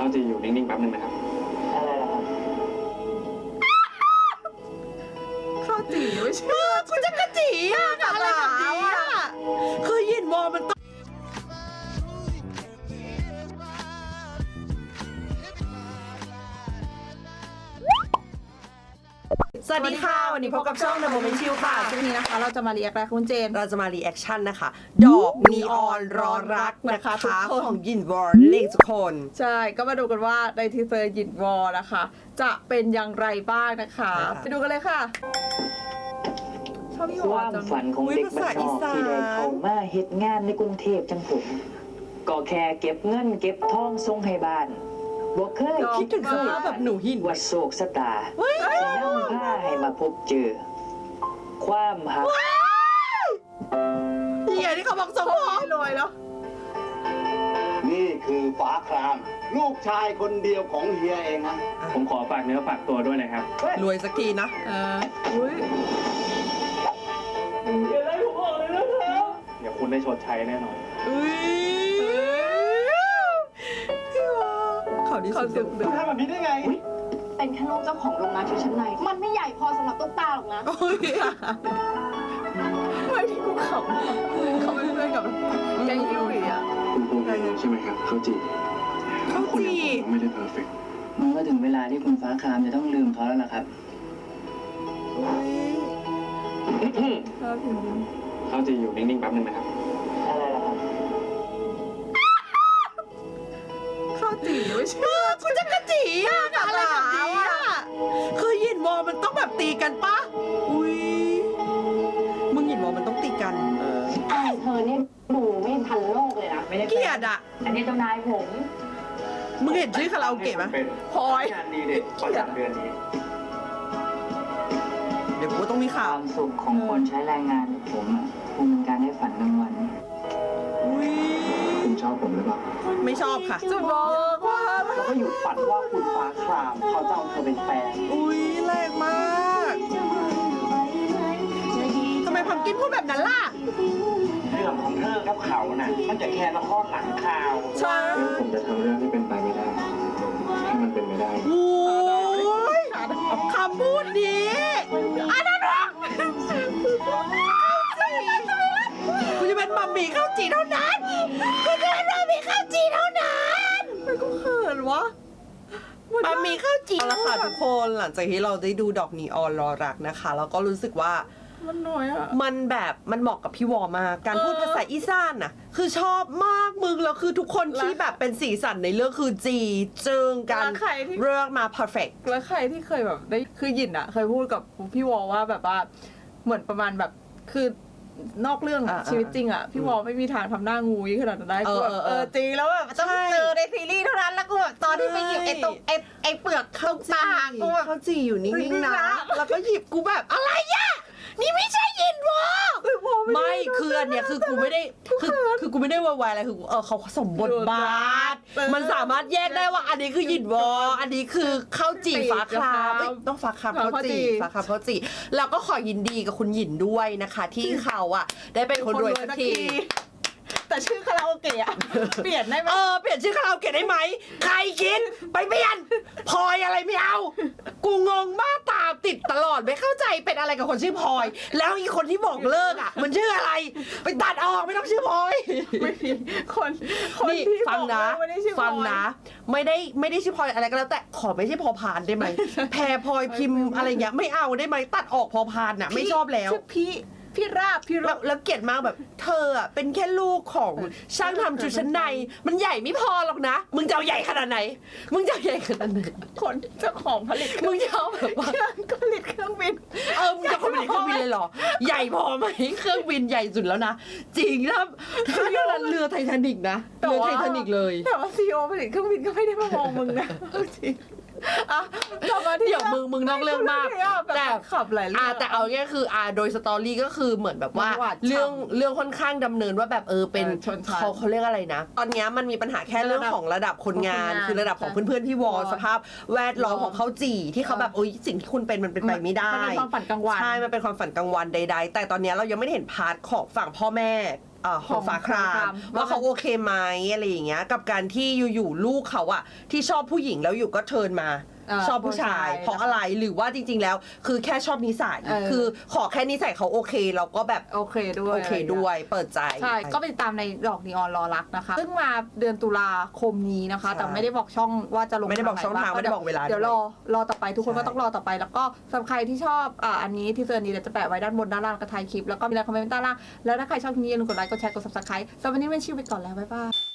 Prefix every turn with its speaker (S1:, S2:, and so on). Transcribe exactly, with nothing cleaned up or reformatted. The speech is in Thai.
S1: จีอยู่นิ่งๆแป๊บนึงนะครับอะไรล่ะครับ
S2: ข้าวจีไม่ใช่คุณจะกระจีอ่ะกับอะไรแบบนี้อ่ะคือยินวอมันต้องสวัสดีค่ะวันนี้พบกับช่อง The Moment Chill ค่ะช่วงนี้นะคะเราจะมารีแอคอะไรคุณเจน
S3: เราจะมารีแอคชั่นนะคะดอกนีออนรอรักนะคะทุกคนของยินวอร์เลขทุกคน
S2: ใช่ก็มาดูกันว่าในทีเซอร์ยินวอร์นะคะจะเป็นอย่างไรบ้างนะคะไปดูกันเลยค่ะชอบพี่วอร์จัง
S1: ความฝันของเด็กบ้านนอกที่ได้เข้ามาเฮ็ดงานในกรุงเทพจังผมก็แค่เก็บเงินเก็บทองส่งให้บ้านบ่เคย
S3: คิดถึงสภาพแบบหนูหิน
S1: ว่าโศกสตาจะนำพาให้มาพบเจอ ความหัก
S2: เฮียที่เขาบอกสมองรวยแล้ว
S4: นี่คือฟ้าครามลูกชายคนเดียวของเฮียเองนะ
S1: ผมขอฝากเนื้อฝากตัวด้วยนะครับ
S3: รวยสักทีนะ
S2: เอออุ้ย
S1: อย่าไล่ผมออกเลยนะครับเดี๋ยวคุณได้ชดใช้แน่นอน
S2: อุ้ย
S3: เขาดีสุด
S4: คุณทำแบบนี้ได้ไง
S5: เป็นแค่ลูกเจ้าของโรงงานชุดชั้นในมันไม่ใหญ่พอสำหรับตุ๊กตาหรอกนะ
S2: ไม่ที่กูขำเขาเป็นเพื่อนกับแกงฮิวอีอ่ะ
S1: คุณภูมิใจใช่ไหมครับเขาจี
S3: เขาจี
S1: ไม่ได้เพอร์เฟกต์มันก็ถึงเวลาที่คุณฟ้าครามจะต้องลืมเขาแล้วล่ะครับเขาจีอยู่นิ่งๆแป๊บนึงนะครับอะไรล่ะครับ
S2: ข้าวจีไม่ใช่คุณจะกระจีอ่ะกับอะไรแบบนี้อ่ะคือยินวอมันต้องแบบตีกันปะอุ้ย
S3: มึงยินวอมันต้องตีกัน
S5: ไอ้เธอนี่ดูไม่ทันโลกเลยนะ
S2: เกลียดอ่ะ
S5: อันนี้เจ้านายผม
S2: มึงเห็นชื่อคาราโอเกะไหมพลอย
S1: งานดีเด็ดประจำเดือนนี้
S3: เดี๋ยวกูต้องมีข่าว
S1: ความสุขของคนใช้แรงงานผมอ่ะคุณเป็นการได้ฝันกลางวันคุณชอบผมหรือเปล่า
S3: ไม่ชอบค่ะ
S2: จะบอกว่า
S4: แล้วก็หยุดฝันว่าคุณฟ้าครามเขาจะเอาเธอเป็นแฟน
S2: อุ้ยแรงมากทำไมพัมกินพูดแบบนั้นล่ะ
S4: เรื่องของเธอกับเขาน่ะมันจะแค่ละครหลังข่าว
S2: ใช่
S1: แล้วผมจะทำเรื่องที่เป็นไปไม่ได้ให้มันเป็นไม่ได้
S2: โอ้ยคำพูดนี้อันนั้นหรอกูจะเป็นมัมมี่ข้าวจีเท่านั้นกูจะเป็นมัมมี่ข้าวจีเท่านั้นมันก็เขินวะมัมมี่ข้าวจี
S3: เอาละค่ะทุกคนหลังจากที่เราได้ดูดอกนีออนรอรักนะคะแล้วก็รู้สึกว่า
S2: มันน้อยอะ
S3: มันแบบมันเหมาะกับพี่วอมากการพูดภาษาอีสานน่ะคือชอบมากมึงแล้วคือทุกคนที่แบบเป็นสีสันในเรื่องคือจีเจิงกันเรื่องมา perfect
S2: แล้วใครที่เคยแบบได้คือหยินอะเคยพูดกับพี่วอว่าแบบว่าเหมือนประมาณแบบคือนอกเรื่องชีวิตจริงอะพี่วอไม่มีทางทำหน้างูยี่ขนาดนั้นได้กูแบบเออจริงแล้วแบบต้องเจอในซีรีส์เท่านั้นแล้วกูแบบตอนที่ไปหยิบไอ้ตรงไอ้ไอ้เปลือกข้าวจีกูแบบ
S3: ข้าวจีอยู่นิ่งๆนะ
S2: แล้วก็หยิบกูแบบอะไรอะนี่ไม่ใช่ยินวอ
S3: ไม่คืออันเนี้ยคือกูไม่ได้คือคือกูไม่ได้วายอะไรคือเออเขาสมบทบาทมันสามารถแยกได้ว่าอันนี้คือยินวออันนี้คือข้าวจีฟ้าครามต้องฟ้าครามข้าวจีฟ้าครามข้าวจีแล้วก็ขอยินดีกับคุณหยินด้วยนะคะที่เขาอ่ะได้เป็นคนรวยสักที
S2: แต่ชื่อคาราโอเกะเปลี่ยนได้ไหม
S3: เออเปลี่ยนชื่อคาราโอเกะได้ไหมใครคิดไปเปลี่ยนพลอยอะไรไม่เอากูงงมากตามติดตลอดไม่เข้าใจเป็นอะไรกับคนชื่อพลอยแล้วอีกคนที่บอกเลิกอ่ะมันชื่ออะไรไปตัดออกไม่ต้องชื่อพลอย
S2: ไม่มีคนคนที่
S3: ฟังนะฟังนะไม่ได้ไม่ได้ชื่อพลอยอะไรก็แล้วแต่ขอไม่ใช่พอพานได้ไหมแพรพลอยพิมพ์อะไรเงี้ยไม่เอาได้ไหมตัดออกพอพานน่ะไม่ชอบแล้ว
S2: พี่พี่ราบพี่ราบ
S3: แล้วเกลียดมากแบบเธออ่ะเป็นแค่ลูกของช่างทำชุดชั้นในมันใหญ่ไม่พอหรอกนะมึงจะเอาใหญ่ขนาดไหนมึงจะเอาใหญ่ขนาดไหน
S2: คนเจ้าของผลิต
S3: มึงจะเอาแบบว่า
S2: ผลิตเครื่องบิน
S3: เออมึงจะผลิตเครื่องบินเลยเหรอใหญ่พอไหมเครื่องบินใหญ่สุดแล้วนะจริงแล้วเรือเรือไททานิกนะเรือไททานิกเลย
S2: แต่ว่าซีโอผลิตเครื่องบินก็ไม่ได้มามองมึงนะจริงอ่ะ
S3: เดี๋ยวมึงมึงนอกเรื่องมาก
S2: แต่ขับหลายเรื่
S3: องแต่เอาแค่คืออ่าโดยสตอรี่ก็คือเหมือนแบบว่าเรื่องเรื่องค่อนข้างดำเนินว่าแบบเออเป็นเขาเขาเรียกอะไรนะตอนนี้มันมีปัญหาแค่เรื่องของระดับคนงานคือระดับของเพื่อนๆที่วอสภาพแวดล้อมของเขาจีที่เขาแบบโอ้ยสิ่งที่คุณเป็นมันเป็นไปไม่ได้
S2: มันเป็นความฝันกลางวัน
S3: ใช่มันเป็นความฝันกลางวันใดๆแต่ตอนนี้เรายังไม่ได้เห็นพาร์ทของฝั่งพ่อแม่เอ่อของฟ้าครามว่าเขาโอเคไหมอะไรอย่างเงี้ยกับการที่อยู่ๆลูกเขาอะที่ชอบผู้หญิงแล้วอยู่ก็เทิร์นมาชอบผู้ชายเพราะอะไรหรือว่าจริงๆแล้วคือแค่ชอบนิสัยคือขอแค่นิสัยเขาโอเคเราก็แบบ
S2: โอเคด้วย
S3: โอเคด้วยเปิดใจ
S2: ใช่ก็ไปติดตามในดอกนีออนรอรักนะคะซึ่งมาเดือนตุลาคมนี้นะคะ แต่ไม่ได้บอกช่องว่าจะลง
S3: ไม่ได้บอกช่องทาง
S2: หน
S3: ไม่ได้บอกเวลา
S2: เดี๋ยวรอรอต่อไปทุกคน
S3: ใช่
S2: ก็ต้องรอต่อไป แล้วก็สำหรับใครที่ชอบอ่าอันนี้ที่เซอร์นี้เดี๋ยวจะแปะไว้ด้านบนด้านล่างกระทายคลิปแล้วก็มีอะไรคอมเมนต์ด้านล่างแล้วถ้าใครชอบคลิปนี้อย่าลืมกดไลค์กดแชร์กด ซับสไครบ์ สำหรับวันนี้เป็นชิวไปก่อนแล้วบ๊ายบาย